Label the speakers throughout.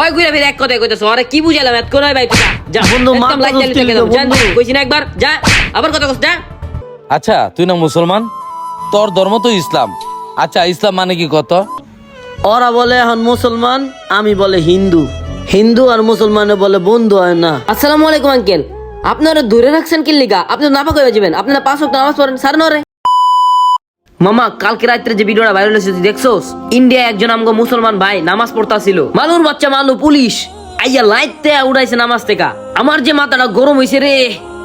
Speaker 1: ওই ঘুরে ফিরে এক কথাই কইতেছ, আরে কি বুঝালাম এত করে ভাই? তুই যা
Speaker 2: বন্ধু,
Speaker 1: একদম
Speaker 2: মাথা
Speaker 1: লাইট জ্বালিয়ে
Speaker 2: ধরতে
Speaker 1: রেখে দাও।
Speaker 2: বন্ধু।
Speaker 1: জান কইছি না একবার, যা আবার কথা কস, যা।
Speaker 3: আচ্ছা তুই না মুসলমান, তোর ধর্ম তো ইসলাম। আচ্ছা ইসলাম মানে কি কত?
Speaker 2: ওরা বলে এখন মুসলমান, আমি বলে হিন্দু। হিন্দু আর মুসলমানে বলে বন্ধু হয় না।
Speaker 1: আসসালামু আলাইকুম আঙ্কেল, আপনারা দূরে রাখছেন কি লিগা? আপনি নাপাক হয়ে যাবেন, আপনারা 5 ওয়াক্ত নামাজ পড়েন সার নরে। মামা কালকে রাত্রে যে ভিডিওটা ভাইরাল হয়েছে তুই দেখছোস? ইন্ডিয়া একজন আমগো মুসলমান ভাই নামাজ পড়তাছিল, মালুর বাচ্চা মালু পুলিশ আইয়া লাইটতে উড়াইছে নামাজ থেকে। আমার যে মাথাটা গরম হইছে রে।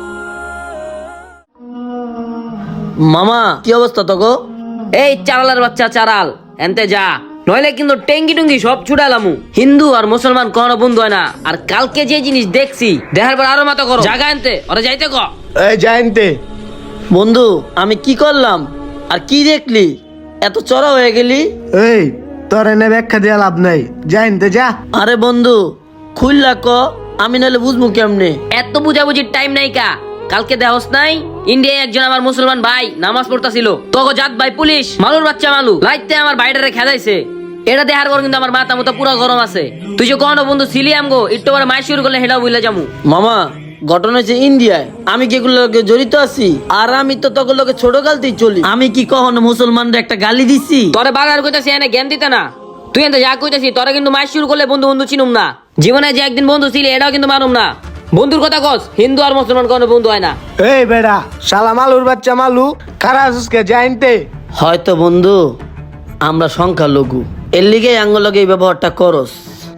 Speaker 2: মামা কি অবস্থা তোকে?
Speaker 1: এই চারালার বাচ্চা চারাল, এনতে যা, নইলে কিন্তু টেঙ্গি টুঙ্গি সব ছুটালামু। হিন্দু আর মুসলমান কখনো বন্ধু হয় না। আর কালকে যে জিনিস দেখছি দেখার পর আরো মাথা করো, জায়গা আনতে ওরা যাইতে ক।
Speaker 4: এই জানতে
Speaker 2: বন্ধু আমি কি করলাম আর কি দেখলি এত চড়া হয়ে গেলি?
Speaker 4: এই তোর এনে ব্যাখ্যা দেওয়া লাভ নাই, জানতে যা।
Speaker 2: আরে বন্ধু খুললা ক, আমি নাহলে বুঝবো কেমনে?
Speaker 1: এত বুঝাবুঝির টাইম নাই কা। কালকে দেহস নাই ইন্ডিয়ায় একজন আমার মুসলমান ভাই নামাজ পড়তাছিল, তোগো জাত ভাই পুলিশ মালুর বাচ্চা মালু লাইতে আমার ভাইটারে খেদাইছে। এটা দেখার পর কিন্তু আমার মাথা মতো পুরো গরম আছে। তুই যে কোনো বন্ধু ছিলি আমগো একটু পরে মাই শুরু করলে হেটাও বুঝলে যামু।
Speaker 2: মামা ঘটনা হচ্ছে ইন্ডিয়ায়, আমি কি এগুলোর লগে জড়িত আছি? আর আমি তো তখন লোকে ছোট কালতেই চলি। আমি কি কখনো মুসলমানদের একটা গালি দিছি?
Speaker 1: তোরে বারবার কইতাছি এনে জ্ঞান দিতে না। তুই এনে যা কইতাছি তোরা কিন্তু মাই শুরু করলে বন্ধু বন্ধু চিনুম না। জীবনে যে একদিন বন্ধু ছিলি এটাও কিন্তু মানুম না। বন্ধুর কথা কস, হিন্দু আর মুসলমান কোনো বন্ধু হয় না।
Speaker 4: এই বেড়া শালা মালুর বাচ্চা মালু, কারা আসুসকে জানতে?
Speaker 2: হয়তো বন্ধু আমরা সংখ্যালঘু, এর লিগে আঙ্গলগে এই ব্যবহারটা করস।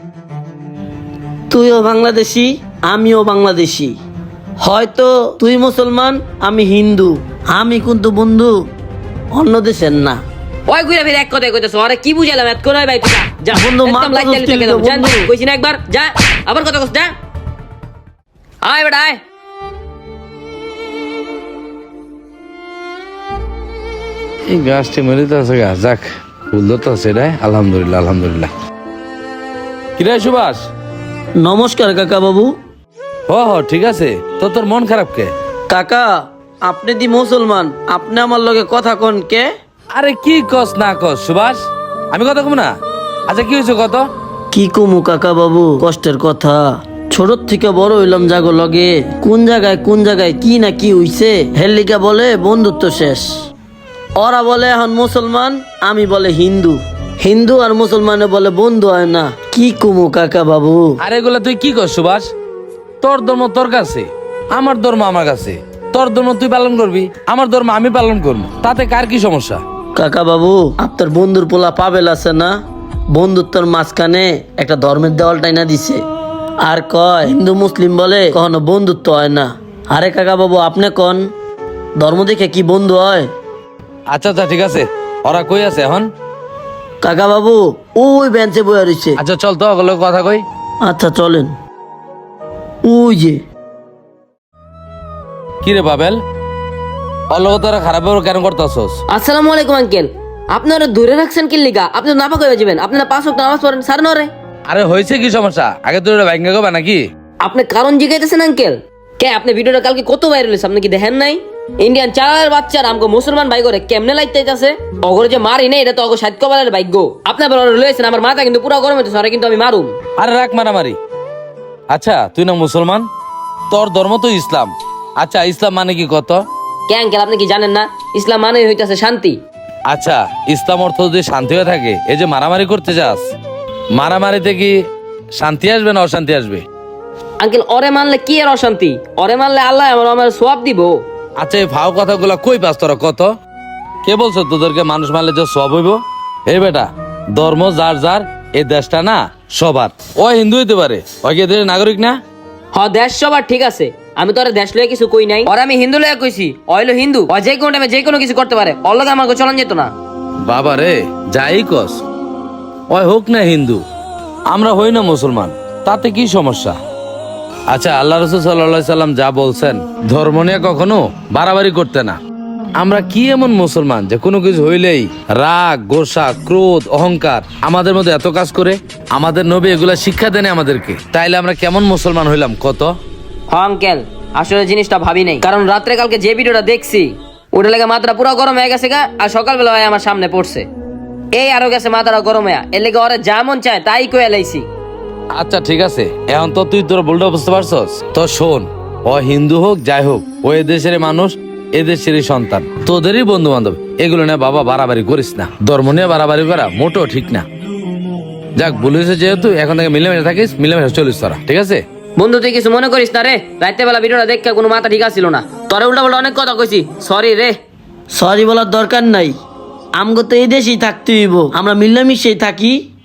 Speaker 2: তুইও বাংলাদেশি আমিও বাংলাদেশি, হয়তো তুই মুসলমান আমি হিন্দু, আমি কিন্তু বন্ধু অন্য দেশের না।
Speaker 1: ওই ঘুরে ফিরে এক কথাই কইতেছ, আরে কি বুঝালাম এত করে ভাই? তুই যা
Speaker 2: বন্ধু,
Speaker 1: একদম
Speaker 2: মাথা
Speaker 1: লাইট জ্বালিয়ে
Speaker 2: ধরতে
Speaker 1: রেখে দাও। জান
Speaker 2: বন্ধু।
Speaker 1: কইছি না একবার, যা আবার কথা কস, যা। আয় বেটা আয়।
Speaker 3: এই গাছটি মরিতে আছে গাছ, যাক ফুল তো আছে রে, আলহামদুলিল্লাহ আলহামদুলিল্লাহ। কিরে সুভাষ?
Speaker 2: নমস্কার কাকা বাবু।
Speaker 3: ঠিক আছে, তো তোর মন খারাপ কে?
Speaker 2: কাকা আপনি দি মুসলমান, আপনি আমার লগে কথা কন কে?
Speaker 3: আরে কি কস না কস সুভাষ, আমি কথা কম না। আচ্ছা কি হয়েছে কত?
Speaker 2: কি কমু কাকা বাবু, কষ্টের কথা। ছোট থেকে বড় হইলাম জাগো লগে, কোন জায়গায় কি না কি হইছে হেলিকা বলে বন্ধুত্ব শেষ। ওরা বলে এখন মুসলমান, আমি বলে হিন্দু। হিন্দু আর মুসলমানে বলে বন্ধু হয় না। কি কমু কাকা বাবু?
Speaker 3: আরে এগুলা তুই কি কর সুভাষ? তোর ধর্ম তোর কাছে, আমার ধর্ম আমার কাছে। তোর ধর্ম তুই পালন করবি, আমার ধর্ম আমি পালন করবো, তাতে কার কি সমস্যা?
Speaker 2: কাকা বাবু আপনার বন্ধুর পোলা পাবেল আছে না, বন্ধুত্বর মাঝখানে একটা ধর্মের দেওয়ালটাই না দিছে, আর কয় হিন্দু মুসলিম বলে কখনো বন্ধুত্ব হয় না। আরে কাকা বাবু আপনি কন, ধর্ম দেখে কি বন্ধু হয়?
Speaker 3: আচ্ছা ঠিক আছে, ওরা কই আছে এখন?
Speaker 2: কাকা বাবু ওই বেঞ্চে বয়ে রয়েছে।
Speaker 3: আচ্ছা চল তো ওগুলো কথা কই।
Speaker 2: আচ্ছা চলেন। ওই যে
Speaker 3: কি রে পাবেল, অল্লগ তোরা খারাপ ব্যবহার কেন করতেছস?
Speaker 1: আসসালামু আলাইকুম আঙ্কেল, আপনারা দূরে রাখছেন কি লিগা? আপনি নাপাক হয়ে যাবেন, আপনারা 5 ওয়াক্ত নামাজ পড়েন সার নরে।
Speaker 3: আরে হয়েছে কি সমস্যা? আগে তুই ভাঙ্গা গো নাকি?
Speaker 1: আপনি কারণ জিজ্ঞাসেন আঙ্কেল কে? আপনি ভিডিওটা কালকে কত ভাইরাল হয়েছে আপনি কি দেখেন নাই? ইন্ডিয়ান চালার বাচ্চার আমগো মুসলমান ভাই করে কেমনে লাইতে যাচ্ছে, অগরে যে মারি না এটা তো অগো সাত কবালের ভাগ্য। আপনি আবার লইছেন, আমার মাথা কিন্তু পুরো গরম হইতেছে, আরে কিন্তু আমি মারুম।
Speaker 3: আরে রাখ মারামারি। আচ্ছা তুই না মুসলমান, তোর ধর্ম তো ইসলাম। আচ্ছা ইসলাম মানে কি কত?
Speaker 1: কে আঙ্কেল আপনি কি জানেন না? ইসলাম মানে হইতাছে শান্তি।
Speaker 3: আচ্ছা ইসলাম অর্থ যদি শান্তি হয়ে থাকে, এই যে মারামারি করতে যাস, মারামারিতে কি শান্তি আসবে না অশান্তি আসবে?
Speaker 1: আঙ্কেল ওরে মানলে কি আর অশান্তি? ওরে মানলে আল্লাহ আমার সওয়াব দিব।
Speaker 3: আচ্ছা এই ফাও কথাগুলা কই পাস তোরা? কত কে বলছো তোদেরকে মানুষ মানলে যে সব হইব? এই বেটা ধর্ম যার যার, এই দেশটা না সবার। ও হিন্দু হইতে পারে, ওই কি এদের নাগরিক না?
Speaker 1: দেশ সবার ঠিক আছে, আমি তো ওরে দেশ লইয়া কিছু কই নাই। ওরে আমি হিন্দু লইয়া কইছি, অইলো হিন্দু, ও যে কোনো টাইমে যে কোনো কিছু করতে পারে, ওর লগে আমার চলন যেত না।
Speaker 3: বাবা রে যাই কস, ওই হোক না হিন্দু, আমরা হই না মুসলমান, তাতে কি সমস্যা? আচ্ছা আল্লাহ রাসূল সাল্লাল্লাহু আলাইহি সাল্লাম যা বলছেন, ধর্ম নিয়ে কখনো বাড়াবাড়ি করতে না। আমরা কি এমন মুসলমান যে কোনো কিছু হইলেই রাগ, গোসা, ক্রোধ, অহংকার আমাদের মধ্যে এত কাজ করে? আমাদের নবী এগুলা শিক্ষা দেন আমাদেরকে, তাইলে আমরা কেমন মুসলমান হইলাম কত?
Speaker 1: আঙ্কেল আসলে জিনিসটা ভাবি নাই, কারণ রাত্রে কালকে যে ভিডিওটা দেখছি ওটা লেগে মাথাটা পুরো গরম হয়ে গেছে গা। আর সকালবেলা ভাই আমার সামনে পড়ছে, এই আরো গেছে মাথাটা গরম হয়ে, এর লেগে ওরা যা মন চায় তাই কয়ে লাইছি।
Speaker 3: আচ্ছা ঠিক আছে, এখন তো তুই তোর ভুলটা বুঝতে পারছস। তো শোন, ও হিন্দু হোক যাই হোক, ও এদেশের মানুষ, এদেশেরই সন্তান, তোদেরই বন্ধু বান্ধব। এগুলো নিয়ে বাবা বাড়াবাড়ি করিস না, ধর্ম নিয়ে বাড়াবাড়ি করা মোটেও ঠিক না। যাক, ভুল হয়েছে যেহেতু, এখন থেকে মিলেমিশে থাকিস, মিলেমিশে চলিস তোরা, ঠিক আছে?
Speaker 1: বন্ধু তুই কিছু মনে করিস না রে, রাত্রে বেলা ভিডিওটা দেখে কোনো মাথা ঠিক আছিল না, তোরে উল্টা পাল্টা অনেক কথা কইছি, সরি রে।
Speaker 2: সরি বলার দরকার নাই, আমগো তো এই দেশেই থাকতে হইব, আমরা মিলামিশেই থাকি।